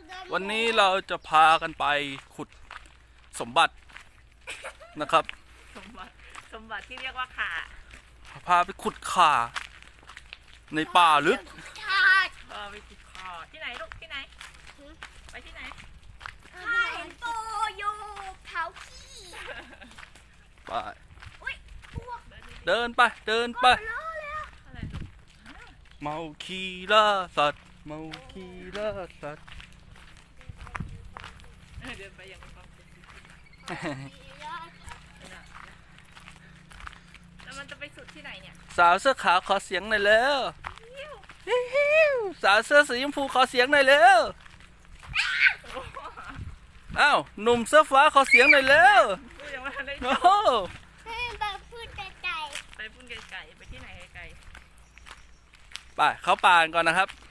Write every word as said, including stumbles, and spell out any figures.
วันนี้เราจะพากันไปขุดสมบัตินะครับสมบัติสมบัติที่เรียกว่าข่าพาไปขุดข่าในป่าลึกเออไปขุดข่าที่ไหนลูกที่ไหนไปที่ไหนข้าเห็นโตอยู่เผาขี้ไปเดินไปเดินไปเมาคีล่าสัตว์เมาคีล่าสัตว์เดินไปอย่างมีความสุขแล้วมันจะไปสุดที่ไหนเนี่ยสาวเสื้อขาวขอเสียงหน่อยเร็วสาวเสื้อสีชมพูขอเสียงหน่อยเร็วอ้าวหนุ่มเสื้อฟ้าขอเสียงหน่อยเร็วโอ้โหไปพูดไกลๆไปพูดไกลๆไปที่ไหนไกลๆไปเข้าป่าก่อนนะครับ